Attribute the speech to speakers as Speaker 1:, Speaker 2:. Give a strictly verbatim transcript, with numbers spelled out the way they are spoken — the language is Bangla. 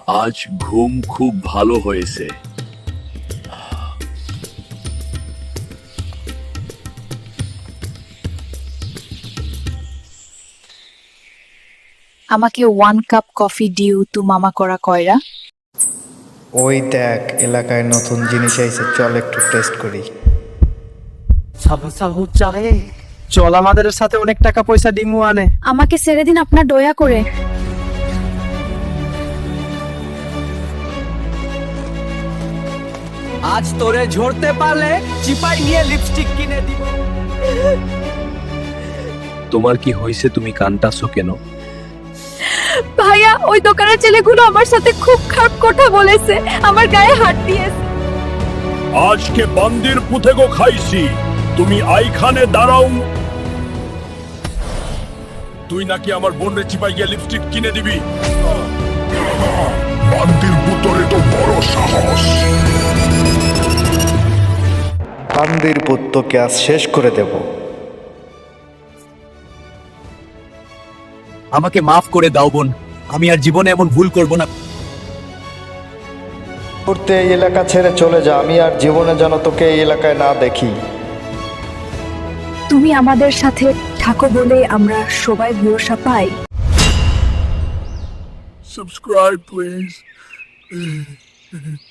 Speaker 1: আজ ঘুম খুব ভালো হয়েছে।
Speaker 2: আমাকে ওয়ান কাপ কফি দিও তু মামা করা কয়রা।
Speaker 3: ওই দেখ, এলাকায় নতুন জিনিস আইছে, চল একটু টেস্ট করি।
Speaker 4: চল আমাদের সাথে অনেক টাকা পয়সা ডিমু আনে।
Speaker 2: আমাকে ছেড়ে দিন আপনার দয়া করে।
Speaker 4: আজ তোরে ঝরতে পারলে চিপাই নিয়ে লিপস্টিক কিনে দিব।
Speaker 1: তোমার কি হয়েছে? তুমি কানটাছো কেন?
Speaker 2: ভাইয়া, ওই দোকানের ছেলেগুলো আমার সাথে খুব খারাপ কথা বলেছে, আমার গায়ে হাত দিয়েছে।
Speaker 1: আজকে বান্দির পুঁথেগো খাইছি, তুমি আইখানে দাঁড়াও। তুই নাকি আমার বোনের চিপাই গিয়ে লিপস্টিক কিনে দিবি? বান্দির পুতরে তো বড় সাহস।
Speaker 3: বান্দির পুত্রকে আজ শেষ করে দেব।
Speaker 5: আমাকে মাফ করে দাও বোন, আমি আর জীবনে এমন ভুল করব না।
Speaker 3: করতে এই এলাকা ছেড়ে চলে যা, আমি আর জীবনে যেন তোকে এই এলাকায় না দেখি।
Speaker 2: তুমি আমাদের সাথে থাকো বলে আমরা সবাই ভরসা পাই।
Speaker 1: Subscribe, please.